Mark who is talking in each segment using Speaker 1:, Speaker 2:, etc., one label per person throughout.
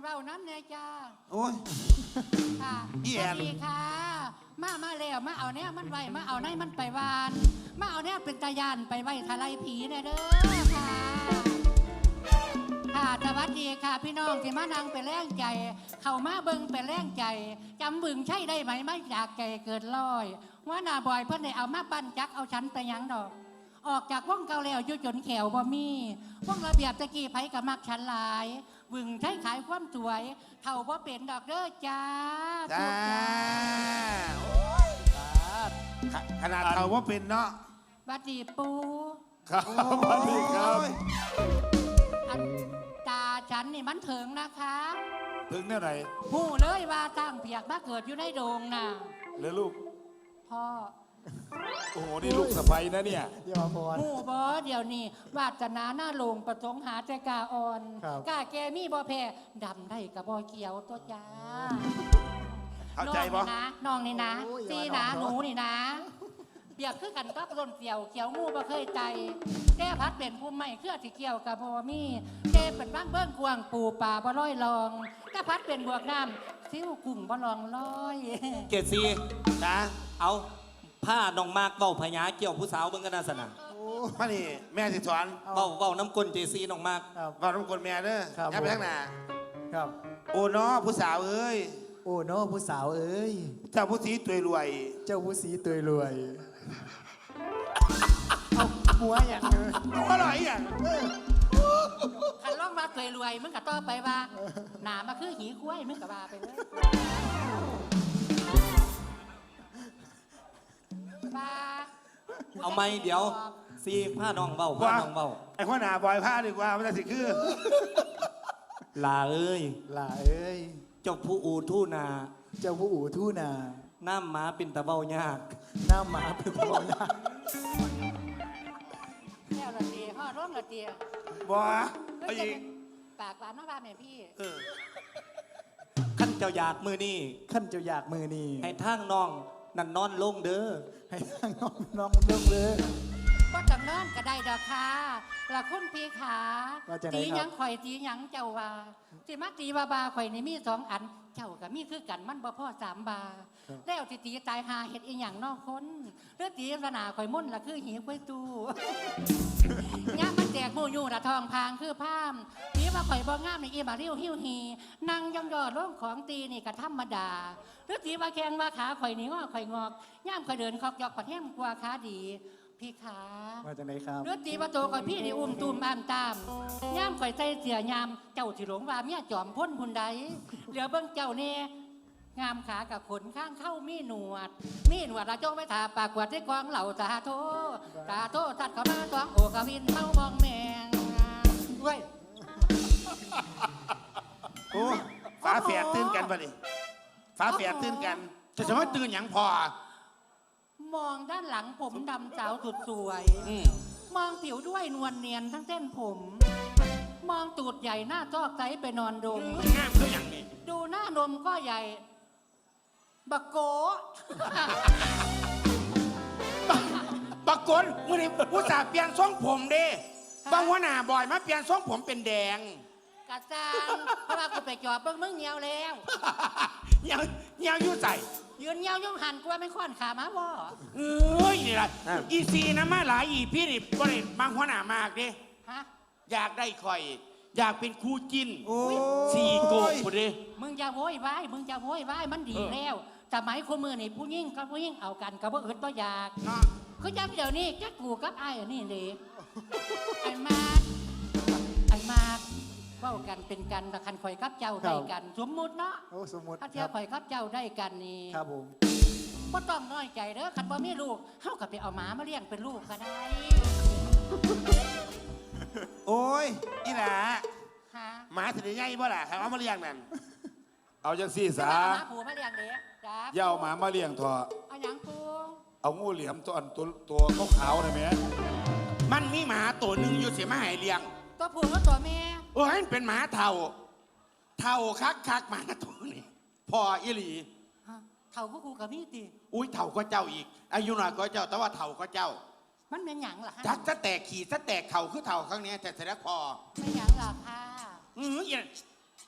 Speaker 1: ว้าน้ำเนี่ยจ้า
Speaker 2: โอ้ย
Speaker 1: ค่ะสวัสดีค่ะมาแล้วมาเอาเนี่ยมันไว้มาเอาในมันไปวานมาเอาเนี่ยเป็นตายันไปไว้ทลายผีเนี่ยเด้อค่ะค่ะสวัสดีค่ะพี่น้องที่มานั่งเป็นแรงใจเข้ามาเบิ่งเป็นแรงใจจำบึงใช่ได้ไหมไม่จากแก่เกิดลอยว่าหน้าบ่อยเพื่อนได้เอามาปั้นจักเอาฉันไปยังดอกออกจากว่องเก่าแล้วอยู่จนแขวบ่มีว่องระเบียบตะกี้ไผกับมักฉันหลายบึงใช้ขายความสวยเท่าบ่เป็นดอกเด้อจ้า
Speaker 2: จ้าขนาดเท่าว่าเป็นเนาะ
Speaker 1: บัดดีปู
Speaker 3: ครับสวัสดีครับ
Speaker 1: อันตาฉันนี่มันถึงนะคะ
Speaker 3: ถึงเนี่ยไหน
Speaker 1: หูเลยว่าตั้งเพียกมาเกิดอยู่ในโดงน่ะ
Speaker 3: หรือลูก
Speaker 1: พ่อ
Speaker 3: โอ้โหนี่ลูกสะใภ้นะเนี่ย
Speaker 1: หูบอเดี๋ยวนี้วาสนาหน้าโลงประสงค์หาใจกาอ่อนกาแกมีบ่แพ้ดำได้กับบ่เกี่ยวตัวจ้า
Speaker 2: เข้าใจบ่
Speaker 1: น้องนี่นะซีนะหนูนี่นะเปียกคือกันก็ร่นเกี่ยวเขียวงูบ่เคยใจแก้พัดเป็นภูมิใหม่เครือที่เกี่ยวกับบ่มีแก้เป็นบ้างเบิ้งกวางปูป่าบ่ร้อยลองแก้พัดเป็นบวกน้ำซิ้วกุ้งบ่ลองร้อย
Speaker 4: เกศซี
Speaker 2: จ้า
Speaker 4: เอาผ้าน้องมากเบ้าพญาเกี่ยวผู้สาวเบิ่งกันนาสนะ
Speaker 2: มานี่แม่สิสอน
Speaker 4: เบ้าน้ำกลเจซีน้องมาก
Speaker 2: เบ้าน้ำกลแม่เด้อยับไปทางหน้า
Speaker 5: ครับ
Speaker 2: โอ้น้อผู้สาวเอ้ย
Speaker 5: โอ้น้อผู้สาวเอ้ย
Speaker 2: เจ้าผู้สีตัวยรวย
Speaker 5: เจ้าผู้สีตัวยรวยเอาหัวอย่าง
Speaker 2: อร่อยอย่าง
Speaker 1: ขันล่องมาตัวยรวยมึงกับต่อไปว่าหนามาคือหีคุ้ยมึงกับว่าไปเลย
Speaker 4: เอาไม่เดี๋ยวซีผ้าน้องเบ้าผ้าน้องเบ้า
Speaker 2: ไอ้ข้อหนาบอยผ้าดีกว่ามันจะสิคือ
Speaker 4: ลาเอ้ย
Speaker 5: ลาเอ้ย
Speaker 4: เจ้าผู้อู่ทู่นา
Speaker 5: เจ้าผู้อู่ทู่นา
Speaker 4: น้ำหมาเป็นตะเบ้ายาก
Speaker 5: น้ำหมาเป็นตะเบ้ายาก
Speaker 1: แก้วละเตียห่อร่มละเตีย
Speaker 2: บัวเอาอีก
Speaker 1: ปากหวานน้ำปลาแม่พี่
Speaker 4: ขั้นเจ้าอยากมือนี่
Speaker 5: ขั้นเจ้าอยากมือนี่
Speaker 4: ให้ทางน้องนั่นนอนลงเด้อ
Speaker 5: ให้ทางน้องลงเลย
Speaker 1: ก็จำนอนก็ได้ดอกค่ะละคุณพี่ขาตีหยังข่อยตีหยังเจ้าว่าตีมาตีบาข่อยนี่มี2 อันเจ้ากับมีคือกันมันบ่พ่อ3 บาแล้วตีตายหาเห็ดอีหยังนอกคนเลือตีสนาข่อยมุ่นละคือหีกล้วยตู้ย่ามันแจกหมูอยู่ละทองพางคือผ้ามตีว่าข่อยบ่งามในอีมาริ้วหิ้วหีนั่งย่องยอดร่องของตีนี่ก็ธรรมดาเลือตีว่าแข้งว่าขาข่อยนี่งอข่อยงอกย่ามข่อยเดินคอกยอกผัดแห้งกว่าขาดีพี่ขา
Speaker 5: มาจากไหนครับ
Speaker 1: เลือดตีประตูก่อนพี่นี่ตุ่มอ่านตามย่ามข่อยใจเสียยามเจ้าที่หลงว่าเมียจอมพ้นพุนใดเหลือเบิ้งเจ้าเน่งามขากับขนข้างเข้ามีหนวดระจงไม่ถาปากกวดที่กองเหล่าตาโตตัดเขามาตวงโอกวินเมามองแมงด้วย
Speaker 2: โอ้ฟ้าแฝดตื่นกันป่ะนี่ฟ้าแฝดตื่นกันจะสมมติตื่นอย่างพอ
Speaker 1: มองด้านหลังผมดำสาวสุดสวยมองผิวด้วยนวลเนียนทั้งเส้นผมมองตูดใหญ่หน้าจอกใจไปนอนดม
Speaker 2: งามคืออย่างนี้
Speaker 1: ดูหน้านมก็ใหญ่บักโก
Speaker 2: บักกนมื่อนี้ผู้สาวเปลี่ยนทรงผมเด้บางหัวหน้าบ่อยมาเปลี่ยนทรงผมเป็นแดง
Speaker 1: กระซังเพราะว่ากูไปจอบเบิ้งมึงเงียวแล้ว
Speaker 2: เงียวยุ่ใส่
Speaker 1: ยืนเงียวย่องหันกูว่าไม่ค่อนขามาบ่
Speaker 2: นี่แหละอีซีนะมาหลายอีพี่นี่บริบางหัวหน้ามากเด้อยากได้คอยอยากเป็นคู่จิ้น4 โกะกูเด้
Speaker 1: มึงจะโวยไว้มันดีแล้วสมัยคนมือนี่ผู้ยิ่งกับผู้ยิ่งเอากันกับว่าอึดบ่อยากคือจำเดี๋ยวนี้แกกูกับไอ้นี่เลยไอ้มากเว้ากันเป็นกันแต่คันข่อยกับเจ้าได้กันสมมุติเนาะ
Speaker 5: สมมุติ
Speaker 1: ถ้าเจ้าข่อยกับเจ้าได้กันนี่
Speaker 5: ครับผม
Speaker 1: ก็ต้องน้อยใจเด้อคันบ่มีลูกเฮาก็ไปเอาหมามาเลี้ยงเป็นลูกก็ได้
Speaker 2: โอ้ยนี่แหละหมาถึงใหญ่บ่ล่ะใครเอามาเลี้ยงนั่น
Speaker 3: เอาจังซี่ซะ
Speaker 1: หมาผูมาเลี้ยงเด้จ้า
Speaker 3: ย่าหมามาเลี้ยงเถอะ
Speaker 1: เอาหยังปู
Speaker 3: เอางูเหลี่ยมตัวขาวๆนะแม่
Speaker 2: มันมีหมาตัวหนึ่งอยู่เสียมาให้เลี้ยง
Speaker 1: ตัวผู้กับตัวแม่
Speaker 2: โอ้ยเป็นหมาเท่าคักหมาตัวนี้พออีหลี
Speaker 1: เท่าก็กูกับมีติ
Speaker 2: อุ้ยเท่าก็เจ้าอีกอายุน้อยก็เจ้าแต่ว่าเท่าก็เจ้า
Speaker 1: มันเป็นหยังล่ะ
Speaker 2: จักจะแตกขี่จะแตกเข่าคือเท่าครั้งนี้แต่เสร็จแล้วพอ
Speaker 1: เป็นหยังล่ะค่ะ
Speaker 2: อย่าง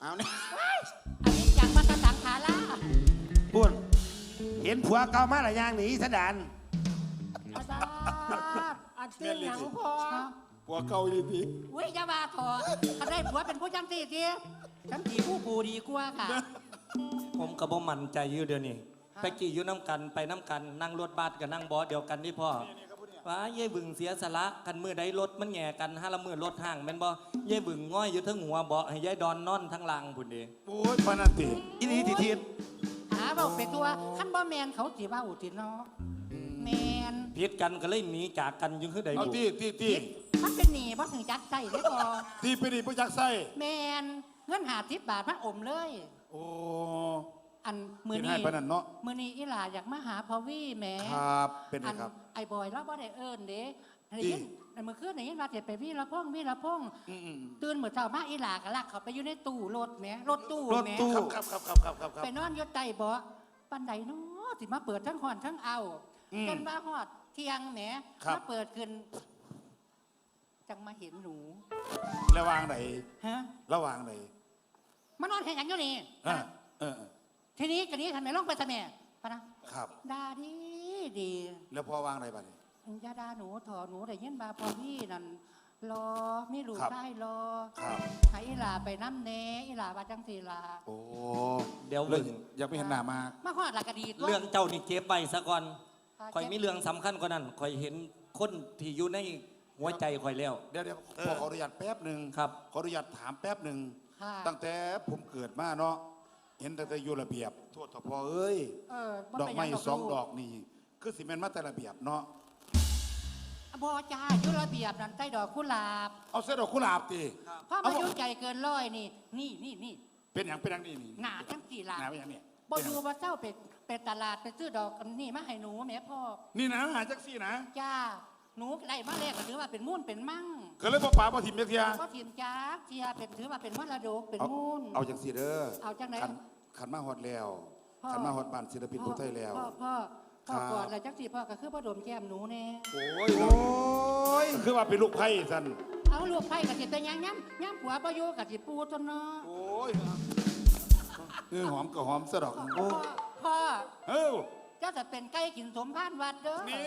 Speaker 2: เอาเนี่ย
Speaker 1: อันนี้จังมาตะสังขาล่า
Speaker 6: พูดเห็นผัวเก่ามาหลายอย่างหนีสะดาน
Speaker 1: อาจารย์อันเตี้ยหยังพอ
Speaker 3: ผัวเก่าดีดี
Speaker 1: อุ้ยอย่าว่าถอดถ้าได้ผัวเป็นผู้จังสี่ทีฉันผีผู้ปูดีกว่าค่ะ
Speaker 4: ผมก็บ่มั่นใจอยู่เดี๋ยวนี้ไปกี่อยู่น้ำกันไปน้ำกันนั่งรถบัสกับนั่งบอสเดียวกันนี่พ่อว่าเย่บึงเสียสละกันมือใดรถมันแง่กันห้าละมือรถห่างแม่นบ่เย่บึงง่อยอยู่ทั้งหัวเบาะให้ยายดอนนอนทั้งหลังพุ่นเดี
Speaker 3: โอ้ยปานนันติ
Speaker 6: อีนี่ทีทีน
Speaker 1: หาเบาเป็นตัวขั้นบ่แมนเขาสิว่าอุติเนาะแมน
Speaker 4: พิษกันก็เลยหนีจากกันอยังคือใด
Speaker 3: เอา
Speaker 4: บุ
Speaker 3: ที่
Speaker 1: มันเป็นหนีบ่ถึงจักใจได้พอ
Speaker 3: ที่ไปดีผู้จักไส้
Speaker 1: แมนเงิน50 บาทมันอมเลย
Speaker 3: โอ้
Speaker 1: อันมือ
Speaker 3: กิน
Speaker 1: นี้
Speaker 3: ให้ปานนันเนาะ
Speaker 1: มือนี้อีหลาอยากมาหาพอวี่แหม
Speaker 3: ครับเป็นไง
Speaker 1: อัน
Speaker 3: ครับ
Speaker 1: ไอ้บอยแล้วบ่ได้เอิ้นเด้ได้
Speaker 3: ติ
Speaker 1: ยินเมื่อคืนได้ยินว่าจะไปวี่ละพงวี่ละพง
Speaker 3: อืม
Speaker 1: ตื่นเหมือนเช้ามาอีหลาก็ลักเขาไปอยู่ในตู้รถแหมรถตู้
Speaker 6: รถ
Speaker 1: แหม
Speaker 6: ตู้
Speaker 3: ครับครับ
Speaker 1: ไปนอนอยู่ใต้เบาะปันใดเนาะสิมาเปิดทั้งหอนทั้งเอาจนว่าฮอดเที่ยงแหมมาเปิดขึ้นจังมาเห็นหนู
Speaker 3: ระวางไหน
Speaker 1: ฮะ
Speaker 3: ระวางไหน
Speaker 1: มานอนเห็นอย่างอยู่นี่
Speaker 3: เออ
Speaker 1: ทีนี้กันนี้ทำไมลองไปทำไมปะนะครับ ด่าดีดี
Speaker 3: แล้วพอวางไหนบ้างนี่
Speaker 1: อย่าด่าหนูถอหนูได้ยินบาพอพี่นั่นรอมีลูก
Speaker 3: ครับ
Speaker 1: ได้รอ
Speaker 3: ครับ
Speaker 1: ให้อีหลาไปน้ำเนอีหลาว่าจังสีลา
Speaker 3: โอ้
Speaker 4: เดี๋ยว
Speaker 3: เล
Speaker 4: บึ
Speaker 3: ย
Speaker 4: ง
Speaker 3: อยากไปเห็นหน้ามาก
Speaker 1: มาฮอดหลักกะดีตัว
Speaker 4: เรื่องเจ้านี่เก็บไว้ซะก่อน
Speaker 1: ค่ะ
Speaker 4: ข่อยมีเรื่องสำคัญกว่านั้นข่อยเห็นคนที่อยู่ในหัวใจข่อยแล้ว
Speaker 3: เดี๋ยวขออนุญาตแป๊บหนึ่ง
Speaker 4: ครับ
Speaker 3: ขออนุญาตถามแป๊บหนึ่ง
Speaker 1: ค่ะ
Speaker 3: ตั้งแต่ผมเกิดมาเนาะเห็นตั้งแต่อยู่ระเบียบโทษทพอเอ้ย
Speaker 1: บ่
Speaker 3: ดอก
Speaker 1: เป็นห
Speaker 3: ไม้
Speaker 1: ยัง
Speaker 3: สอง
Speaker 1: ลู
Speaker 3: ดอกนี่คือสิแม่นมาแต่ระเบียบเนาะ
Speaker 1: บ่จ้าอยู่ระเบียบนั่นใต้ดอกกุหลาบ
Speaker 3: เอาเส้นดอกกุหลาบตี
Speaker 1: เพราะมาอยู่ใจเกินร้อยนี่นี่
Speaker 3: เป็นอย่างนี่นี่
Speaker 1: หนาจังสีลา
Speaker 3: หนาเป็นอย่างนี้
Speaker 1: บ่ดูว่าเจ้าไปตลาดไปซื้อดอกอันนี่มาให้หนูแม่พ่อ
Speaker 3: นี่นะหาจักซี่นะ
Speaker 1: จ้าหนูได้มาแรกก็ถือว่าเป็นมุ่นเป็นมั่ง
Speaker 3: ก็เลยบ่ป่าบ่ถิ่มจักเทีย
Speaker 1: ก็ทีมจ้าเทียเป็นถือว่าเป็นมรดกเป็น
Speaker 3: เอา
Speaker 1: มุ่น
Speaker 3: เอาจังซี่เด้อ
Speaker 1: เอาจังไหน
Speaker 3: ขันมาฮอดแล้ว
Speaker 1: พ่อ
Speaker 3: ขันมาฮอดบ้านศิลปินผู้ไทยแล้ว
Speaker 1: พ่อ
Speaker 3: ครับ
Speaker 1: ก่อนแล้วจังสีพ่อก็คือพ่อดมแก้มหนูแน่
Speaker 3: โอ้ยคือว่าเป็นลูกไผ่สัน
Speaker 1: เอาลูกไผ่กับสิเป็นหยังย้ำผัวประโยกับสิปูจนเนาะ
Speaker 3: โอ้ยหอมก็หอมซะดอก
Speaker 1: พ่อ
Speaker 3: เอ้า
Speaker 1: เจ้าจะเป็นไก่กินสมพานวัดเด้อ
Speaker 3: นี่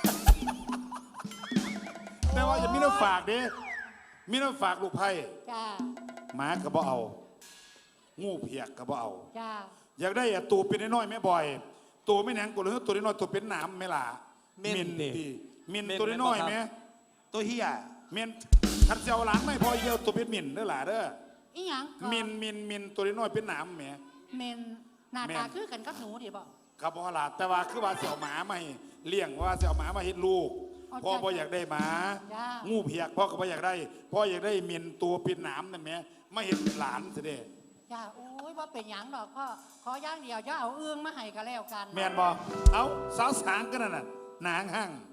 Speaker 3: แต่ว่าอย่ามีน้ำฝากเด้มีน้ำฝากลูกไผ่
Speaker 1: จ้า
Speaker 3: หมาก็บ่เอา งูเพียกก็บ่เอา
Speaker 1: จ้า
Speaker 3: อยากได้อะตัวเป็นน้อยๆแม่บ่อย ตัวไม่หนังกูเลยตัวน้อยๆตัวเป็นหนามไม่ล่ะ
Speaker 4: เม่นดิ
Speaker 3: ดิมิน
Speaker 4: เม่น
Speaker 3: ตัวน้อย
Speaker 4: แม่นบ่ครับ
Speaker 3: ๆแม่ตัวเฮียมินขัดเจ้าหลังไม่พอเยี่ยวตัวเป็นมินเด้อล่ะเด้อ
Speaker 1: อีหยังก็
Speaker 3: มินตัวน้อยๆเป็นหนามแม่
Speaker 1: เมนหน้า
Speaker 3: แม่
Speaker 1: ตาน คือกันกับหนูดิบอก
Speaker 3: ครับพ่อล่ะแต่ว่าคือว่าสิเอาหมามาให้เลี้ยงว่าสิเอาหมามาเฮ็ดลูก
Speaker 1: อ๋อ
Speaker 3: พ่อ
Speaker 1: จ้ะ
Speaker 3: บ่อยากได้หมา
Speaker 1: จ้ะ
Speaker 3: งูเพียกพ่อก็บ่อยากได้พ่ออยากได้มินตัวเป็นหนามนั่นแหม่มาเฮ็ดหลานซะเด้
Speaker 1: จ้าโอ้ยว่าเป็นหยังดอกพ่อขอย่างเดียวจะเอาเอื้องมาให้ก็แล้วกัน
Speaker 3: แม่นบ่เอาสาวสางกันนั่นน่ะนางหั่ง